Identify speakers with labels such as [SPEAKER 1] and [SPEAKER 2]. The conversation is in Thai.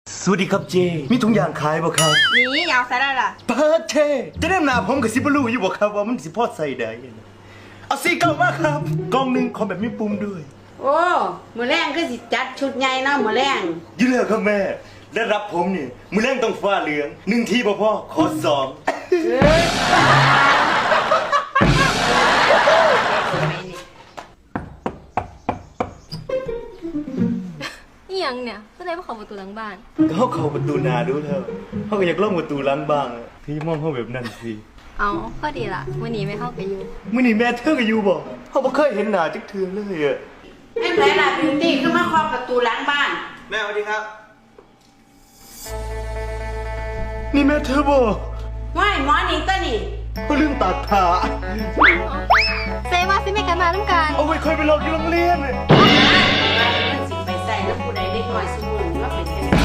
[SPEAKER 1] สวัสดีครับเจมีทุกอย่างขายบ่ครับ
[SPEAKER 2] นี่เอาใส่ได้ล่ะ
[SPEAKER 1] เปิดเทจะได้หนาผมกับสิบลูอยู่บ่ครับว่ามันสิพอใส่ได้เอาสีเก่ามากครับกล่องหนึ่งขอแบบมีปุ่มด้วย
[SPEAKER 2] โอ้มือแรงคือสิจัดชุดใหญ่เนาะมือแรง
[SPEAKER 1] ยืนเลยครับแม่ได้รับผมนี่มือแรงต้องฟ้าเหลืองหนึ่งทีบ่พ่อขอสอง
[SPEAKER 3] นี่ยังเนี่ยก็เลยมาขอประตูหลังบ้าน
[SPEAKER 1] เขาเข้าประตูหนาดูแล้วเขาก็อยากล่องประตูหลังบ้างอะพี่มองเขาแบบนั้นสิ
[SPEAKER 3] เอาก็ดีละวันนี้ไม่เข้าไปอยู่
[SPEAKER 1] มื้อนี้แม่เธอก็อยู่บ่เขาบ่เคยเห็นหน้าจักเทื่อเลยอะ
[SPEAKER 2] ไม่เป็นไรล่ะบิวตี้ขึ้นมาเคาะประตูหล้างบ้าน
[SPEAKER 1] แม่สวัสดีครับนี่แม่เธอบ่
[SPEAKER 2] ว่ายหมอนี่ตัวนี่
[SPEAKER 1] เขาลืมตัดขา
[SPEAKER 3] เซว่าซิไม่กันมาน้ำกัน
[SPEAKER 1] เอาไว้เคยไปหลอกอยู่โรงเรียน
[SPEAKER 2] มันสิไปใส่แล้วผู้ใดเด็กน้อยสมุนว่าเป็นกัน